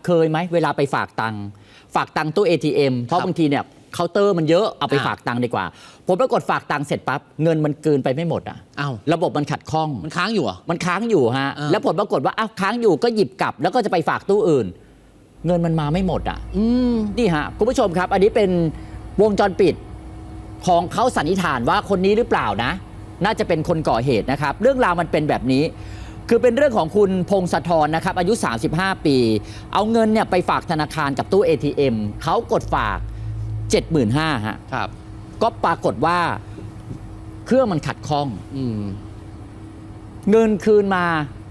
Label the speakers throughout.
Speaker 1: เคยไหมเวลาไปฝากตังค์ตู้ ATM เพราะบางทีเนี่ยเคาน์เตอร์มันเยอะเอาไปฝากตังค์ดีกว่าผมปรากฏฝากตังค์เสร็จปั๊บเงินมันเกินไปไม่หมดอ่ะระบบมันขัดข้อง
Speaker 2: มันค้างอยู่อ่ะ
Speaker 1: มันค้างอยู่ฮะแล้วผลปรากฏว่าอ้าวค้างอยู่ก็หยิบกลับแล้วก็จะไปฝากตู้อื่นเงินมันมาไม่หมดอ่ะนี่ฮะคุณผู้ชมครับอันนี้เป็นวงจรปิดของเขาสันนิษฐานว่าคนนี้หรือเปล่านะน่าจะเป็นคนก่อเหตุนะครับเรื่องราวมันเป็นแบบนี้คือเป็นเรื่องของคุณพงศธรนะครับอายุ35ปีเอาเงินเนี่ยไปฝากธนาคารกับตู้ ATM เขากดฝาก 75,000 ฮะ
Speaker 2: ครับ
Speaker 1: ก็ปรากฏว่าเครื่องมันขัดข้องเงินคืนมา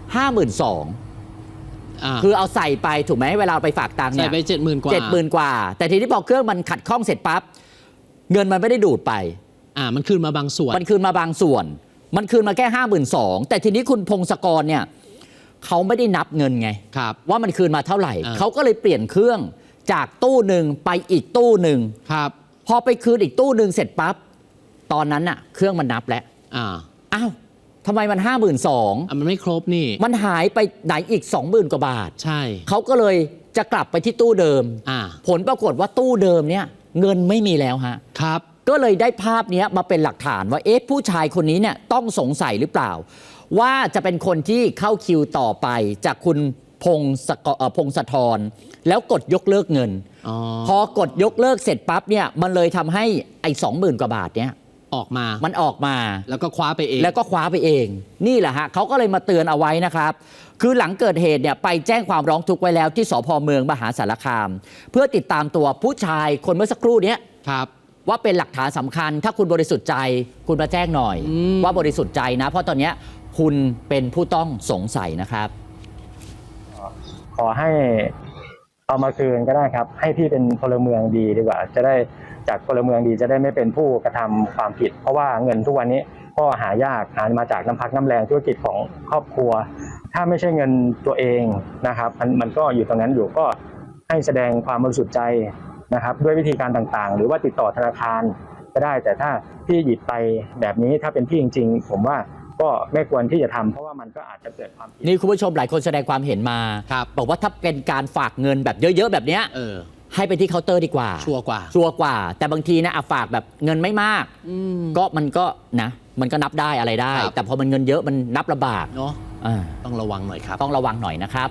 Speaker 1: 52,000คือเอาใส่ไปถูกไหมเวลาไปฝากตังค์เนี่ย
Speaker 2: ใส่ไป 70,000 กว่า
Speaker 1: 70,000 กว่าแต่ทีนี้พอเครื่องมันขัดข้องเสร็จปั๊บเงินมันไม่ได้ดูดไป
Speaker 2: มันคืนมาบางส่วน
Speaker 1: มันคืนมาบางส่วนมันคืนมาแค่ 52,000 แต่ทีนี้คุณพงศกรเนี่ยเขาไม่ได้นับเงินไงว่ามันคืนมาเท่าไหร่เขาก็เลยเปลี่ยนเครื่องจากตู้หนึ่งไปอีกตู้หนึ่งพอไปคืนอีกตู้หนึ่งเสร็จปั๊บตอนนั้นน่ะเครื่องมันนับแล้วอ้าวทำไมมัน 52,000
Speaker 2: มันไม่ครบนี่
Speaker 1: มันหายไปไหนอีก 20,000 กว่าบาท
Speaker 2: ใช่
Speaker 1: เขาก็เลยจะกลับไปที่ตู้เดิมผลปรากฏว่าตู้เดิมเนี่ยเงินไม่มีแล้วฮะ
Speaker 2: ครับ
Speaker 1: ก็เลยได้ภาพนี้มาเป็นหลักฐานว่าผู้ชายคนนี้เนี่ยต้องสงสัยหรือเปล่าว่าจะเป็นคนที่เข้าคิวต่อไปจากคุณพงศธรแล้วกดยกเลิกเงินพอกดยกเลิกเสร็จปั๊บเนี่ยมันเลยทำให้ไอ้ 20,000 กว่าบาทเนี่ยมันออกมา
Speaker 2: แล้วก็คว้าไปเอง
Speaker 1: นี่แหละฮะเขาก็เลยมาเตือนเอาไว้นะครับคือหลังเกิดเหตุเนี่ยไปแจ้งความร้องทุกข์ไว้แล้วที่สภ.เมืองมหาสารคามเพื่อติดตามตัวผู้ชายคนเมื่อสักครู่นี้ว่าเป็นหลักฐานสำคัญถ้าคุณบริสุทธิ์ใจคุณมาแจ้งหน่อยว่าบริสุทธิ์ใจนะเพราะตอนนี้คุณเป็นผู้ต้องสงสัยนะครับ
Speaker 3: ขอให้เอามาคืนก็ได้ครับให้พี่เป็นพลเมืองดีดีกว่าจะได้จากพลเมืองดีจะได้ไม่เป็นผู้กระทำความผิดเพราะว่าเงินทุกวันนี้ก็หายากหามาจากน้ำพักน้ำแรงธุรกิจของครอบครัวถ้าไม่ใช่เงินตัวเองนะครับมันก็อยู่ตรงนั้นอยู่ก็ให้แสดงความบริสุทธิ์ใจนะครับด้วยวิธีการต่างๆหรือว่าติดต่อธนาคารก็ได้แต่ถ้าพี่หยิบไปแบบนี้ถ้าเป็นพี่จริงๆผมว่าก็ไม่ควรที่จะทำเพราะว่ามันก็อาจจะเกิดความผิด
Speaker 1: นี่คุณผู้ชมหลายคนแสดงความเห็นมาบอกว่าถ้าเป็นการฝากเงินแบบเยอะๆแบบเนี้ยให้ไปที่เคาน์เตอร์ดีกว่า
Speaker 2: ชัวร์ก
Speaker 1: ว่าแต่บางทีนะฝากแบบเงินไม่มากก็มันก็นับได้อะไรได้แต่พอมันเงินเยอะมันนับลำบาก
Speaker 2: เนาะต้องระวังหน่อยครับ
Speaker 1: ต้องระวังหน่อยนะครับ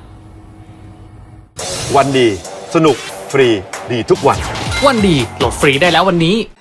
Speaker 4: วันดีสนุกฟรีดีทุกวัน
Speaker 5: วันดีโหลดฟรีได้แล้ววันนี้